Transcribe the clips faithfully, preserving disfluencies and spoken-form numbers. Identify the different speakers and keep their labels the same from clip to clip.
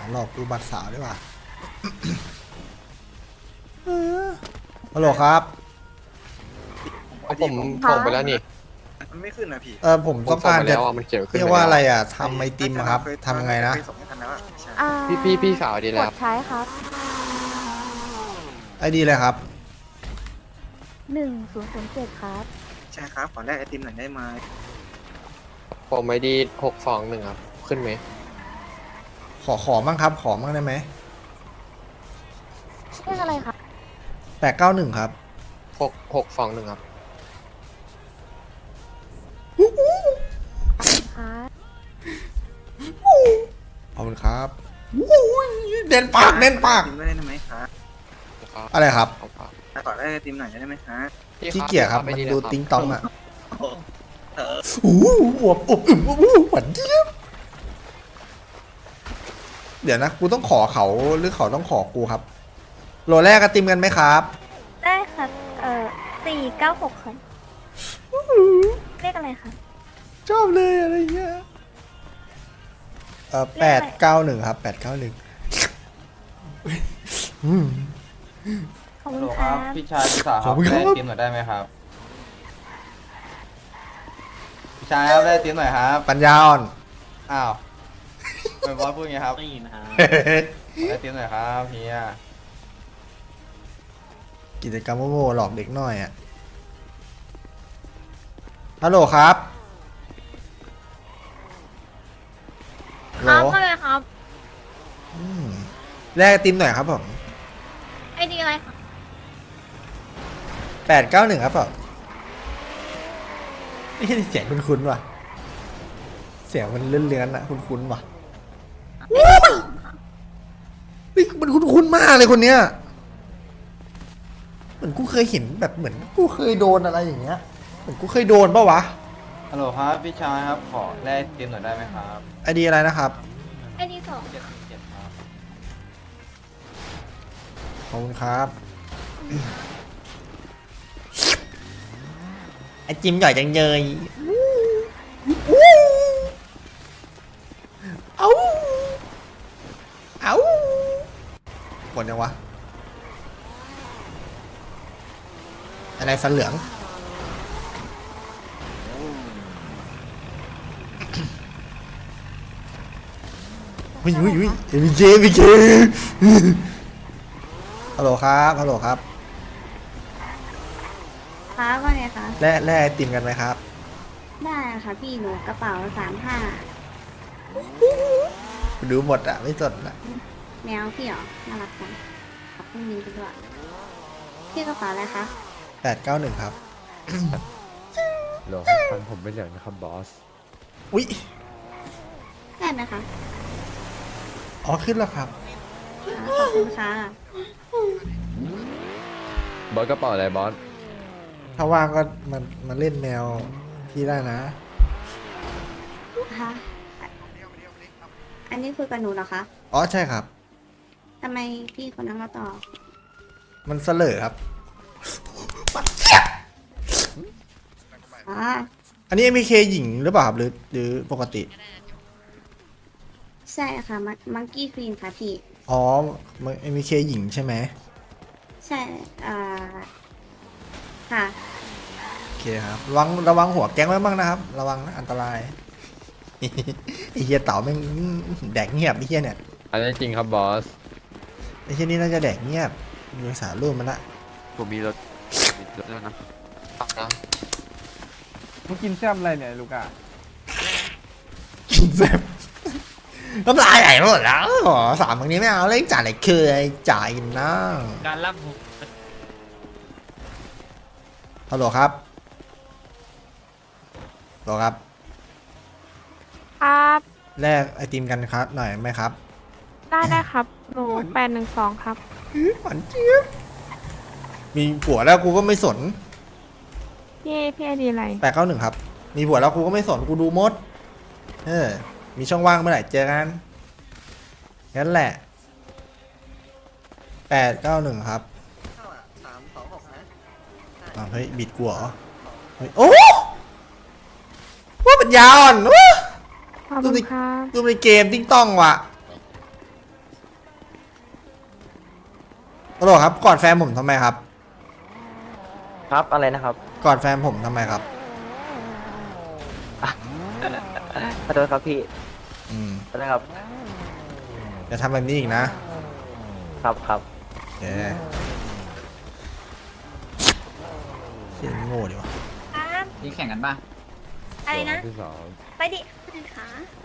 Speaker 1: หลอกดูบัตรสาวดีกว่า ฮัลโหลครับ
Speaker 2: เอาผมส่งไปแล้วนี่
Speaker 3: มันไม่ขึ้นนะพี่
Speaker 1: เออผม
Speaker 2: ผม
Speaker 1: ต้อง
Speaker 2: ส่ง
Speaker 1: การ
Speaker 2: ไป
Speaker 1: จะ
Speaker 2: แล้วอ่ะมันเขียนขึ้น
Speaker 1: เรียก
Speaker 2: ไป
Speaker 1: ว่า
Speaker 2: แล้ว
Speaker 1: อะไรอ่ะทำไอติมอะครับทำยังไงนะ
Speaker 3: เคยส่งให้กันแล้วอะใช่
Speaker 4: อ่า
Speaker 2: พี่พี่พี่สาวดี
Speaker 4: ก
Speaker 2: แล้ว
Speaker 4: ดใช้ครับ
Speaker 1: ไอดีเลยครับ
Speaker 4: หนึ่งศูนย์ศูนย์เจ็ดครับ
Speaker 3: ใช่ครับขอแลกไอติมหน่อยได้ไหม
Speaker 2: ผมไอดีหกสองหนึ่งครับ ขึ้นไหม
Speaker 1: ขอขอบ้างครับ ขอบ้างได้ไหม
Speaker 4: เรียกอะไรครับ
Speaker 1: แปดเก้าหนึ่งครับ
Speaker 2: หกหกสองหนึ่งครับ
Speaker 4: ครับ
Speaker 1: ขอบคุณครับเด่นปากเด่นปาก
Speaker 3: ไอติมไม่ได้ไหมครับ
Speaker 1: อะไรครับ
Speaker 2: ขอบคุณครับ
Speaker 3: ขอแลกไอติมหน่อยได้ไหมครับ
Speaker 2: พี่
Speaker 1: ขี้เกียจครับ
Speaker 2: ไป
Speaker 1: มัน
Speaker 2: เลย
Speaker 1: ดู
Speaker 2: ครับ
Speaker 1: ติ้งต้องอ่ะ
Speaker 3: เออ
Speaker 1: โอ้โหอวบอบอึมอบอู้หวานเจี๊ยบเดี๋ยวนะ กูต้องขอเขาหรือเขาต้องขอกูครับ โหลแรกกระติมกันไหมครับ
Speaker 4: ได้ครับ เอ่อสี่เก้าหกครับเรียกอะไรครับ
Speaker 1: ชอบเลยอะไรเงี้ย เออแปดเก้าหนึ่งครับแปดเก้าหนึ่ง
Speaker 4: ขอบคุ
Speaker 5: ฮัล
Speaker 4: ณ
Speaker 5: โหล
Speaker 4: ค
Speaker 5: ค
Speaker 4: รั
Speaker 5: รั
Speaker 4: บบ
Speaker 5: พี่ชายพี่สาวครับได้ติมหน่อยได้ไหมครับพี่ชายครับได้ติมหน่อยครับ
Speaker 1: ปัญญาอ่อน
Speaker 5: อ้าวเป็นบอสพูดไงครับได้ยินครับได้ติมหน่อยครับเฮีย
Speaker 1: กิจกรรมโง่ๆหลอกเด็กน้อยอ่ะ ฮัลโหลครับฮัลโหล
Speaker 6: ครับว่าไงครับ
Speaker 1: อืมแลกไอติมหน่อยครับผม
Speaker 6: ไอดีอะไรครับ
Speaker 1: แปดเก้าหนึ่งครับผมนี่เสียงคุ้นๆว่ะ เสียงมันเลื่อนๆอะคุ้นๆว่ะเฮ้ยมันคุ้นๆมากเลยคนเนี้ย เหมือนกูเคยเห็นแบบเหมือนกูเคยโดนอะไรอย่างเงี้ย เหมือนกูเคยโดนปะวะ
Speaker 5: ฮัลโหลครับพี่ชายครับขอแลกติมหน่อยได้ไหมครับ
Speaker 1: ไอดีอะไรนะครับ
Speaker 6: ไอดีสอง
Speaker 5: เจ็ดเจ็ดครับ
Speaker 1: ขอบคุณครับไอจิมใหญ่จังเลยเอาเอาหมดยังวะอะไรฟันเหลืองวิววิววิเอ็มเจเอ็มเจฮัลโหลครับฮัลโหลครับ
Speaker 7: ครับว่าไงคะ
Speaker 1: แล่แล่ไอติมกันไหมครับ
Speaker 7: ได้ค่ะพี่หนูกระเป๋าสามห้า
Speaker 1: ดูหมดอ่ะ ไม่สดอ่ะ
Speaker 7: แมวพี่เหรอน่ารักจังขอบคุณมินไปด้วยพี่กระเป๋าอะไรคะ
Speaker 1: แปดเก้าหนึ่งครับ
Speaker 8: หรอฟันผมเป็นอย่างนะครับบอส
Speaker 1: อุ๊ย
Speaker 7: ได้ไหมคะ
Speaker 1: อ๋อ ขึ้นแล้วครับ
Speaker 7: อ่าขอบคุณค่ะ
Speaker 8: บอสกระเป๋าอะไรบอส
Speaker 1: ถ้าว่างก็มันมันเล่นแมวพี่ได้นะ
Speaker 7: ค่ะอันนี้คุยกับหนูเหรอคะ
Speaker 1: อ๋อ ใช่ครับ
Speaker 7: ทำไมพี่คนนั้นมาตอบ
Speaker 1: มันเสลอครับ
Speaker 7: อ่า
Speaker 1: อันนี้ เอ็ม เค หญิงหรือเปล่าครับหรือหรือปกติ
Speaker 7: ใช่ค่ะมังกี้ควีนค่ะพี่
Speaker 1: อ๋อ เอ็ม เค หญิงใช่ไหม
Speaker 7: ใช่อ่าค่ะ
Speaker 1: โอเคครับ ระวังระวังหัวแก๊งไว้บ้างนะครับ ระวังนะอันตราย ไอเฮียเต่าแม่งแดกเงียบไอเฮียเนี่ย
Speaker 8: อันนี้จริงครับบอส
Speaker 1: ไอเฮียนี่น่าจะแดกเงียบดูสารรูปมันละ
Speaker 8: ผมมีรถมีรถแล้วนะ
Speaker 2: นะ
Speaker 5: มึงกินแซ่บอะไรเนี่ยลูกอ่ะ
Speaker 1: กินแซ่บน้ำลายไหลหมดแล้วอ๋อสามบางนี้ไม่เอาเล่นจ่ายไหนเคยจ่ายนะ
Speaker 6: การรับ
Speaker 1: ฮัลโหลครับฮัลโหลครับ
Speaker 6: ครับ
Speaker 1: แลกไอติมกันครับหน่อยไหมครับ
Speaker 6: ได้ได้ครับ หนูแปดหนึ่งสองครับ
Speaker 1: หวานเจี๊ยบมีผัวแล้วกูก็ไม่สน
Speaker 6: พี่พี่ไอดีอะไร
Speaker 1: แปดเก้าหนึ่งครับ มีผัวแล้วกูก็ไม่สนกูดูมด เออ มีช่องว่างเมื่อไหร่เจอกันงั้นแหละแปดเก้าหนึ่งครับ
Speaker 3: สามสองหกนะ
Speaker 1: อ้าวเฮ้ยบิดกูเหรอเฮ้ยโอ้ว่าปัญญาอ่อนวะ
Speaker 6: ขอบ
Speaker 1: ดู
Speaker 6: คุณ
Speaker 1: ใน
Speaker 6: ครับ
Speaker 1: ดูในเกมติ้งต้องว่ะตลกครับกอดแฟนผมทำไมครับ
Speaker 9: ครับอะไรนะครับ
Speaker 1: กอดแฟนผมทำไมครับ
Speaker 9: ขอโทษครับพี่
Speaker 1: อืม
Speaker 9: ขอโทษครับ
Speaker 1: อย่าทำแบบนี้อีกนะครับ
Speaker 9: ครับ
Speaker 1: โอเคเสียงโง่ดีวะ
Speaker 4: ครับ
Speaker 5: นี่แข่งกันป่ะ
Speaker 4: อะไรนะ
Speaker 8: ที่สอง
Speaker 4: ไปดิขา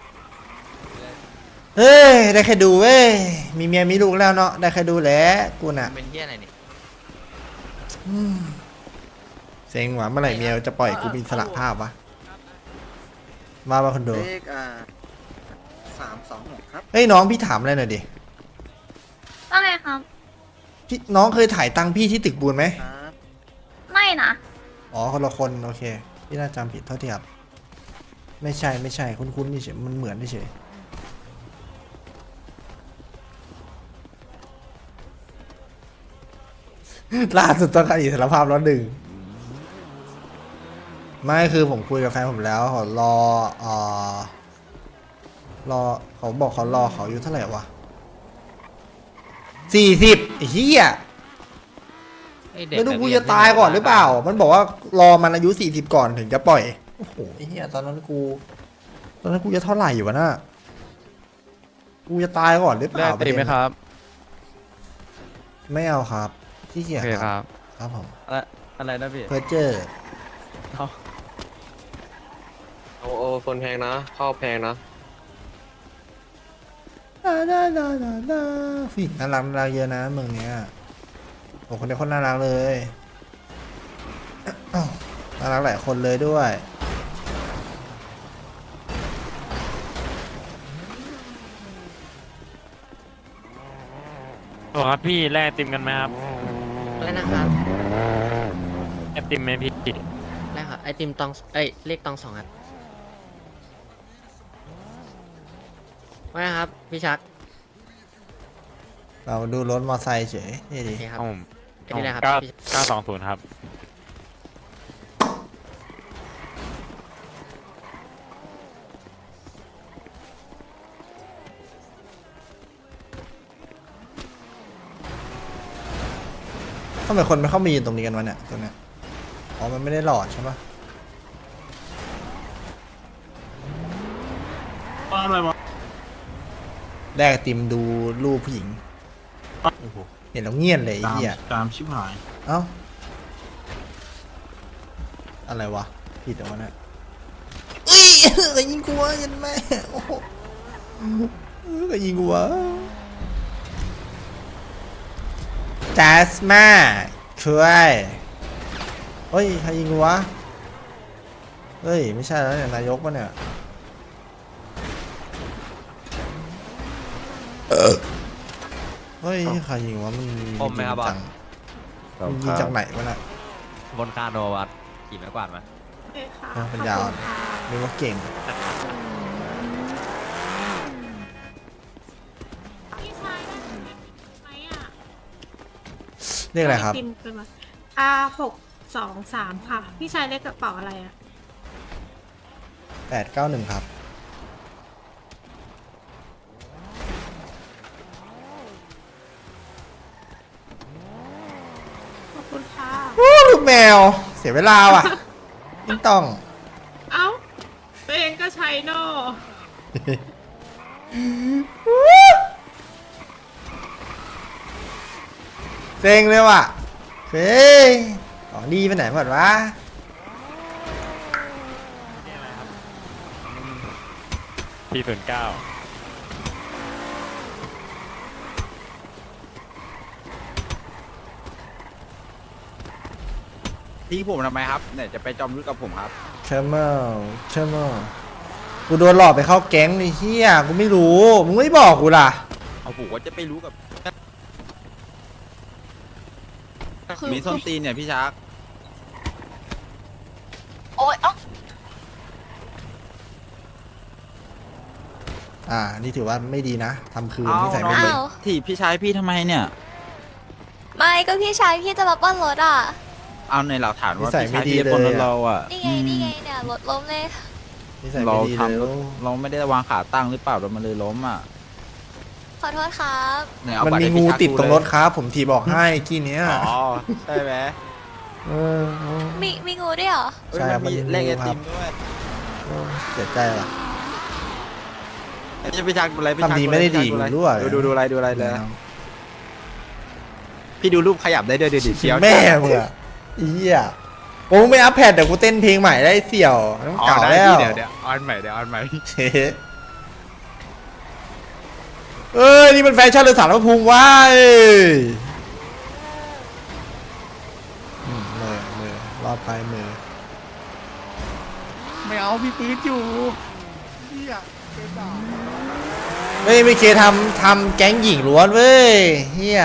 Speaker 1: เฮ้ยได้แค่ดูเว้ยมีเมียมีลูกแล้วเนาะได้แค่ดูแหละกูน่ะ
Speaker 2: เป็นเฮียอะไรนี่
Speaker 1: อืมเซ็งหวะเมื่อไหร่เมียจะปล่อยกูมีอิสระภาพวะมาบ้าคนดู
Speaker 3: เลขอ่าสามสองหกครับ
Speaker 1: เฮ้ยน้องพี่ถามอะไรหน่อยดิ
Speaker 4: ว่าไงครับ
Speaker 1: พี่น้องเคยถ่ายตังค์พี่ที่ตึกบูนไหม
Speaker 3: ครับ
Speaker 4: ไม่นะ
Speaker 1: อ๋อคนละคนโอเคพี่น่าจำผิดเท่าที่ครับไม่ใช่ไม่ใช่คุ้นๆนี่เฉยมันเหมือนนี่เฉย ล่าสุดต้องการอิสรภาพแล้วหนึ่งไม่คือผมคุยกับแฟนผมแล้วเขารอเอ่อรอเขาบอกเขารอเขาอายุเท่าไหร่วะสี่สิบไอ้เหี้ยไม่รู้กูจะตายก่อนหรือเปล่า มันบอกว่ารอมันอายุสี่สิบก่อนถึงจะปล่อยโอ้โหไอ้เหี้ยตอนนั้นกู ตอนนั้นกูจะเท่าไหร่อยู่วะน่ะกูจะตายก่อนหรือเปล่า
Speaker 8: ตีไหมครับ
Speaker 1: ไม่เอาครับที่เกียจ
Speaker 8: โอเคครับ
Speaker 1: ครับผม
Speaker 8: อะไรอะไรนะพี่
Speaker 1: เพอร์เจอร์
Speaker 2: โอ้โอ้คนแพงนะเข้าแพงนะ
Speaker 1: น่าน่าน่าน่าน่าผู้หญิงน่ารักน่ารักเยอะนะเมืองเนี้ยโอ้คนนี้คนน่ารักเลยอ้าวน่ารักหลายคนเลยด้วย
Speaker 10: โอ้ครับพี่แลกไอติมกันไหมครับ
Speaker 9: อะไรนะครับ
Speaker 10: ไอติมไหมพี่
Speaker 9: ได้ครับไอติมตองเอ้ยเลขตองสองครับว่าไงครับพี่ชัก
Speaker 1: เราดูรถมอไซค์เฉยนี่ดี
Speaker 9: โอเคครับ
Speaker 10: เอาผม
Speaker 9: ไอ้นี่แหละครับ
Speaker 10: เก้า
Speaker 9: พี่
Speaker 10: เก้าสองศูนย์ครับ
Speaker 1: ทำไมคนไม่เข้ามายืนตรงนี้กันวะเนี่ยตรงเนี้ยอ๋อมันไม่ได้หลอดใช่ปะแรกไอติมดูรูปผู้หญิงเห็นแล้วเงียบเลยไอ้เหี้ย
Speaker 5: ตามชิบหาย
Speaker 1: เอ้า อะไรวะ ผิดเหรอวะเนี่ยอุ้ยก็ยิงกูวะยันแม่โอ้โหก็ยิงกูวะจัสมาช่วยเฮ้ยใครยิงกูวะ เฮ้ย ไม่ใช่แล้วเนี่ยนายกปะเนี่ยเฮ้ยใครยิงวะมัน
Speaker 8: ผมไหมครับบอส
Speaker 1: จังมันยิงจากไหนวะน่ะ
Speaker 8: บนคาโนวัดกี่ไม้กวาดมา
Speaker 1: เออเป็นยาวนึกว่าเก่ง
Speaker 6: พี่ชายได้ไหมอ่ะ
Speaker 1: เรียกอะไรครับ
Speaker 6: ติมเป็นมาอาหกสองสามค่ะ พี่ชายเลขกระเป๋าอะไรอ่ะ
Speaker 1: แปดเก้าหนึ่งครับ
Speaker 6: ขอบคุณค่ะ
Speaker 1: โอ้ลูกแมว เสียเวลาว่ะไม่ต้อง
Speaker 6: เอ้าตัวเองก็ใช้โน่
Speaker 1: เซ็งเลยว่ะเฮ้ยของดีไปไหนหมดวะ
Speaker 10: ที่ศูนย์เก้า
Speaker 5: ที่ผมทำไมครับเนี่ยจะไปจอมยุทธกับผมครับ
Speaker 1: เชมเมอร์เชมเมอร์กูโดนหลอกไปเข้าแก๊งไอ้เหี้ยกูไม่รู้ มึงไม่บอกกูล่ะ
Speaker 5: เอาผมว่าจะไปรู้กับ มีส้นตีนเนี่ยพี่ชัก
Speaker 4: โอ๊ยอ๊อก
Speaker 1: อ่า นี่ถือว่าไม่ดีนะทำคืนที่ใส่ไม่ดี
Speaker 4: อ้าว
Speaker 5: ที่พี่ชายพี่ทำไมเนี่ย
Speaker 4: ไม่ก็พี่ชายพี่จะมาปล้นรถอ่ะ
Speaker 5: เอาในหลักฐานว่า
Speaker 1: นิสัย
Speaker 5: พี่
Speaker 1: ไม่
Speaker 5: ชาย
Speaker 1: ดี
Speaker 5: พี่
Speaker 1: เลย
Speaker 5: คนรถ
Speaker 1: อะ
Speaker 5: เราอ่ะ
Speaker 4: นี่ไงนี่ไงเนี่ยรถล้มเลย
Speaker 1: นี่ใส่
Speaker 5: เรา
Speaker 1: ไม่ดี
Speaker 5: ท
Speaker 1: เลย
Speaker 5: ำเราไม่ได้วางขาตั้งหรือเปล่าเรามันเลยล้มอ่ะ
Speaker 4: ขอโทษครับ
Speaker 5: ไหเอา
Speaker 1: มัน
Speaker 5: บัตร
Speaker 1: มี
Speaker 5: ให้
Speaker 1: งู
Speaker 5: พี่ชัก
Speaker 1: ติดตรงรถ
Speaker 5: เลย
Speaker 1: ครับ ผมทีบอกให้กี้เนี้ย
Speaker 5: อ๋อใช่ไหม
Speaker 1: เออเออ
Speaker 4: มีมีงูด้วยเหรอ
Speaker 5: เอ้ย
Speaker 1: ใช่ครับ
Speaker 5: มันมี
Speaker 1: มันมี
Speaker 5: เลขไอ
Speaker 1: งูครั
Speaker 5: ติ
Speaker 1: บ
Speaker 5: มด้วย
Speaker 1: โอ้เสียใจว่ะ
Speaker 5: ไอ้พี่ชักดูอะไรพี่ชัก
Speaker 1: ทำดีไม่ได้ดี
Speaker 5: พี่ชัก
Speaker 1: รู้อะ
Speaker 5: ดูดูดูอะไรดูอะไรเลยนะพี่ดูรูปขยับได้ด้วยดูดิเชียว
Speaker 1: แม่มึงอะอีเหี้ยโอ้ไม่อัพแพดเดี๋ยวกูเต้นเพลงใหม่ได้เสี่ยวน้ำ
Speaker 5: อ๋อ
Speaker 1: เก่า
Speaker 5: ได้
Speaker 1: แล้ว
Speaker 5: พี่เดี๋ยวเดี๋ยวออนใหม่เดี๋ยวออนใหม่
Speaker 1: เฮ้เอ้ยนี่มันแฟชั่นเลยสารพระภูมิว้าเอ้ยอืมมือมือรอดไปมือ
Speaker 5: ไม่เอาพี่ปืนอยู่
Speaker 1: เฮ้ยไม่เคทำทำแก๊งหญิงล้วนเว้ยเฮีย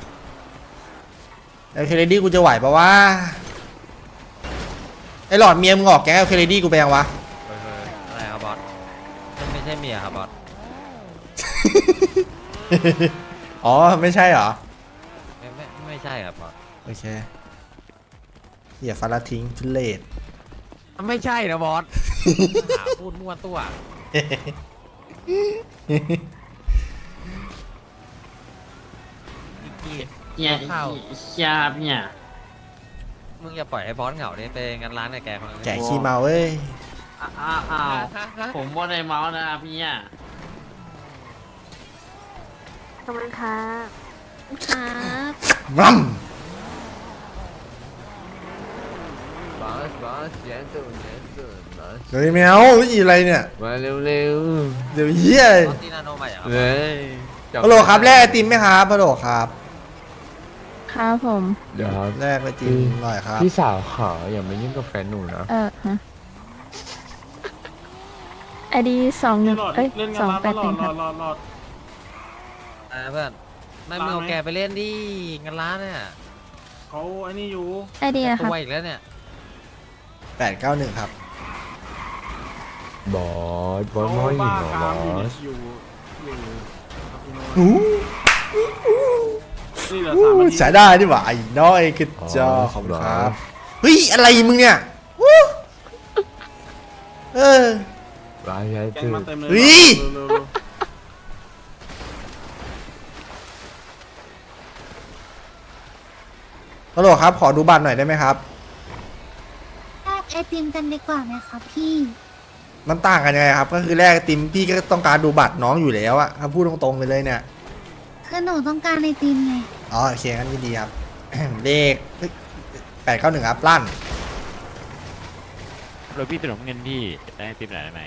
Speaker 1: เอลเคเรดี้กูจะไหวปะวะไอหลอดเมียมึงออกแก๊งเอลเคเรดี้กูไปยังวะ
Speaker 9: อะไรครับบอสไม่ใช่เมียครับบอส
Speaker 1: อ๋อไม่ใช่เหรอ
Speaker 9: ไม่ไม่ไม่ใช่ครับบอส
Speaker 1: โอเคเฮียฟาราทิ้งทุเลศ
Speaker 9: ไม่ใช่นะบอส หาพูดมั่วตัวเนี่ยข้าวชาบเนี่ยมึงอย่าปล่อยให้บอสเหงาดิไปงานร้านกับแกคนนึง
Speaker 1: แกะขี้เมาเว้ย
Speaker 9: อ้าวอ้าวผมว่าในเมาส์นะพี่อ่ะ
Speaker 4: ขอบคุณครับ
Speaker 7: ครับ
Speaker 1: รัม
Speaker 8: บอสบอสเย็นตื่นเย็นตื่นบอส
Speaker 1: เฮ้ยแมวอีอะไรเนี่ย
Speaker 8: มาเร็วเร็ว
Speaker 1: เดี๋ยวเฮีย
Speaker 9: บอสตีนาโนใหม่เหรอครับ
Speaker 8: เฮ้ย
Speaker 1: ฮัลโหลครับแลกไอติมไหมครับฮัลโหลครับ
Speaker 7: ครับผม
Speaker 8: เดี๋ยวครับ
Speaker 1: แลกไอติมหน่อยครับ
Speaker 8: พี่สาวขออย่ามายุ่งกับแฟนหนูนะ
Speaker 7: เออฮะไอดีสองหนึ่งเอ้ยสองแปดหนึ่งครับ
Speaker 9: อ่าเพื่อนไม่มึงเอาแกไปเล่นดิงานร้านเนี่ย
Speaker 6: เขาไอ้นี่อยู่
Speaker 7: ไอดีนะค
Speaker 9: ตั
Speaker 7: รับ
Speaker 9: วอีกแล้วเนี่ย
Speaker 1: แปดเก้าหนึ่งครับ
Speaker 8: บอสบอสไม่หญิงเหรอบอส
Speaker 6: อยู่อยู่
Speaker 1: หู
Speaker 6: นี่เหลือสามนาที
Speaker 1: ใช้ได้ดิหว่าไอ้น้อยกระจอกขอบคุณครับเฮ้ยอะไรมึงเนี่ยวู้เออ
Speaker 8: ร้ายใช้
Speaker 6: แกง
Speaker 8: ตื่
Speaker 6: มาน เต็มเลย
Speaker 1: เฮ้ย
Speaker 6: เร็วๆเร็ว
Speaker 1: ฮัลโหลครับขอดูบัตรหน่อยได้ไหมครับ
Speaker 4: แลกไอติมกันดีกว่าไหมครับพี่
Speaker 1: มันต่างกันยังไงครับ ก็คือแลกไอติมพี่ก็ต้องการดูบัตรน้องอยู่แล้วอะถ้าพูดตรงๆไปเลยเนี่ย
Speaker 4: คือหนูต้องการไอติมไง
Speaker 1: อ๋อโอเคงั้นยินดีครับ เลขแปดเก้าหนึ่งครับลั่น
Speaker 10: รถพี่ถนนเงินพี่ได้ไอติมไหนอยได้ไหม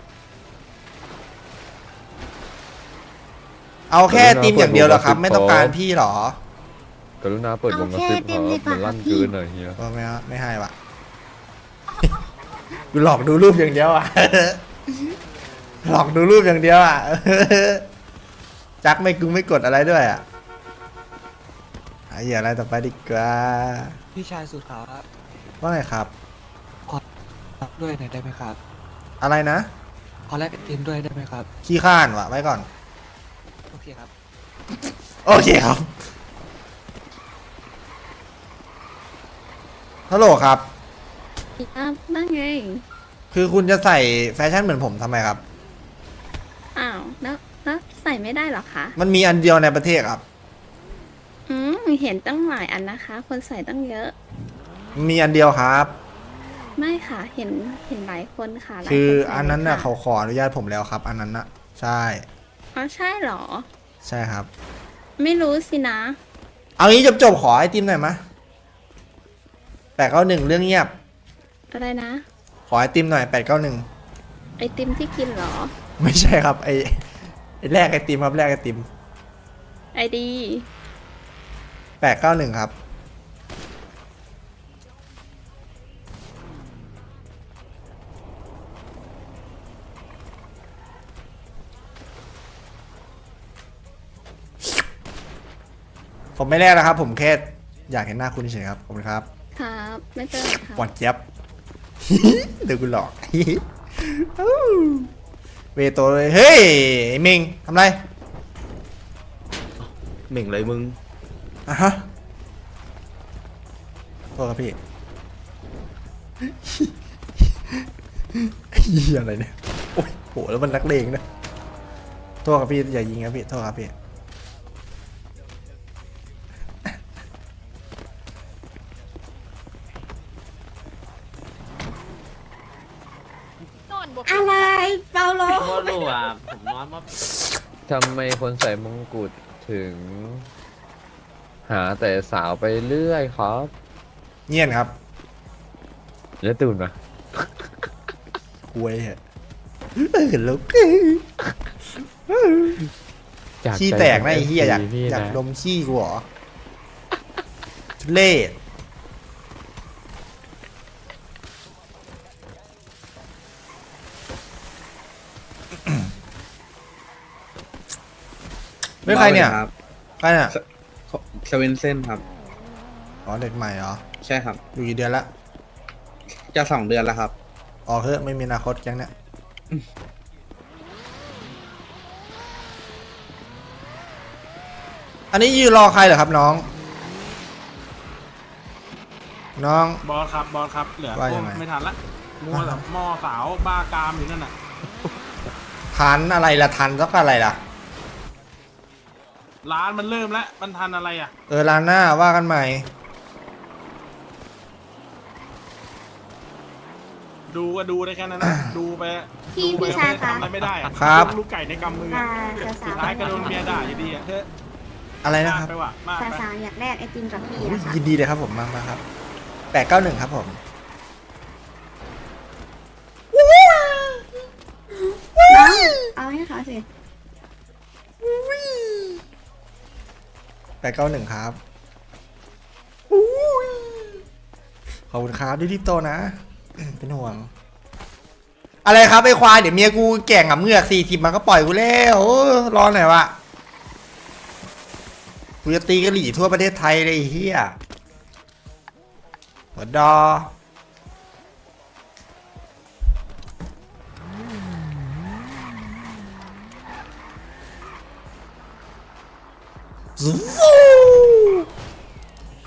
Speaker 1: เอาแค่ไอติมอย่างเดียวเหรอครับ ไม่ต้องการพี่เหรอก
Speaker 8: รุณาเปิดวงกระซิบครับมันลั่นเกินหน่อยเฮีย
Speaker 1: เออไม่เอาไม่ให้วะ กูหลอกดูรูปอย่างเดียวอ่ะ หลอกดูรูปอย่างเดียวอ่ะ จักไม่กูไม่กดอะไรด้วยอ่ะไอ้เหี้ยอะไรต่อไปดีกว่า
Speaker 3: พี่ชายสุดครับ
Speaker 1: ว่าไงครับ
Speaker 3: ด้วยหน่อยได้ไหมครับ
Speaker 1: อะไรนะ
Speaker 3: ขอแลกไอติมด้วยได้ไหมครับ
Speaker 1: ขี้ข้านวะไว้ก่อน
Speaker 3: โอเคครับ
Speaker 1: โอเคครับ ฮัลโหลครับ
Speaker 7: ครับนั่นไง
Speaker 1: คือคุณจะใส่แฟชั่นเหมือนผมทำไมครับ
Speaker 7: อ้าวแล้วแล้วใส่ไม่ได้เหรอคะ
Speaker 1: มันมีอันเดียวในประเทศครับ
Speaker 7: อืมเห็นตั้งหลายอันนะคะ คนใส่ตั้งเยอะ
Speaker 1: มีอันเดียวครับ
Speaker 7: ไม่ค่ะ เห็นเห็นหลายคนค่ะหลาย
Speaker 1: คือ
Speaker 7: ใส่
Speaker 1: อันนั้นน่ะ
Speaker 7: ค่
Speaker 1: เขาขออนุญาตผมแล้วครับ อันนั้นน่ะ ใช่
Speaker 7: อ๋อใช่เหรอ
Speaker 1: ใช่ครับ
Speaker 7: ไม่รู้สินะ
Speaker 1: เอางี้จบจบๆขอไอติมหน่อยมะแปดเก้าหนึ่งเรื่องเงียบ
Speaker 7: อะไรนะ
Speaker 1: ขอไอติมหน่อยแปดเก้าหนึ่ง
Speaker 7: ไอติมที่กินเหรอ
Speaker 1: ไม่ใช่ครับ ไอไอแรกไอติมครับแรกไอติม
Speaker 7: ไอดี
Speaker 1: แปดเก้าหนึ่งครับ ผมไม่แรกนะครับ ผมแค่อยากเห็นหน้าคุณเฉยๆครับขอบคุณครับ
Speaker 7: ครับ ไม่เป็นไรค่ะ
Speaker 1: หวานเจี๊ยบ เดี๋ยวกูหลอก เวโตเลย เฮ้ยไอ้เมงทำไร
Speaker 5: เหม่งเลยมึง
Speaker 1: อ่ะฮะโทษครับพี่ เฮียอะไรเนี่ย โอ้ยโหแล้วมันนักเลงนะโทษครับพี่อย่ายิงครับพี่โทษครับพี่
Speaker 7: อะไรเปาโล
Speaker 9: ก็รู้อ่ะผมนอนว่า
Speaker 2: ทำไมคนใส่มงกุฎถึง หาแต่สาวไปเรื่อยครับ
Speaker 1: เงียบครับ
Speaker 2: แล้วตื่นมา
Speaker 1: คุยเหรอเห็นแล้ว
Speaker 2: จาก
Speaker 1: ขี้
Speaker 2: ใจ
Speaker 1: แตกนะไอ้เหี้ยอยาก
Speaker 2: พี่
Speaker 1: อยาก
Speaker 2: นะ
Speaker 1: ดมขี้กูเหรอทุเล่ไม่ใครเนี่ยใครเนี่ย
Speaker 5: เซเว่นเส้นครับ
Speaker 1: อ๋อเด็กใหม่เหรอ
Speaker 5: ใช่ครับ
Speaker 1: อยู่กี่เดือนละ
Speaker 5: จะสองเดือนแล้วครับ
Speaker 1: ออกเถอะไม่มีอนาคตแก๊งเนี่ยอันนี้ยืนรอใครเหรอครับน้อง น้อง
Speaker 11: บอสครับบอสครับเหลือ
Speaker 1: ว่า
Speaker 11: พ
Speaker 1: ยั
Speaker 11: วก
Speaker 1: งไง
Speaker 11: ไม่ทันละมัวแบบหม้อสาวบ้ากามอยู่นั่นน่ะ
Speaker 1: ทันอะไรล่ะทันสักอะไรล่ะ
Speaker 11: ร้านมันเริ่มแล้วมันทันอะไรอ่ะ
Speaker 1: เออร้านหน้าว่ากันใหม่
Speaker 11: ดูก็ดูได้แค่นั้นนะดูไป
Speaker 7: พี่
Speaker 11: ดูไป
Speaker 7: พี่ชาย
Speaker 11: ไม่
Speaker 7: คะ
Speaker 11: ทำอะไรไม่ได้อะ
Speaker 1: ครับ
Speaker 11: ลูกไก่ในกำมือ
Speaker 7: อ่า
Speaker 11: อะ
Speaker 7: สาวๆ
Speaker 11: สุดท้ายก็โดนเมียด่าอยู่ดีอ่ะเฮ้ย
Speaker 1: อะไร
Speaker 11: มาก
Speaker 1: นะครับ
Speaker 11: ไปว่ะมากไป
Speaker 7: สาวๆอยากแลกไอติมกับพี่
Speaker 1: อุ๊ย
Speaker 7: นะคะ
Speaker 1: ยินดีเลยครับผมมามาครับแปดเก้าหนึ่งครับผม
Speaker 7: น้องเอาให้เขาสิ
Speaker 1: แปดเก้าหนึ่งครับขอบคุณครับรีบๆโตนะ เป็นห่วง อะไรครับไอ้ควายเดี๋ยวเมียกูแก่งกับเมือกสี่สิบมันก็ปล่อยกูแล้วโอ้รอหน่อยวะกูจะตีกะหรี่ทั่วประเทศไทยเลยไอ้เฮียหัวดอซู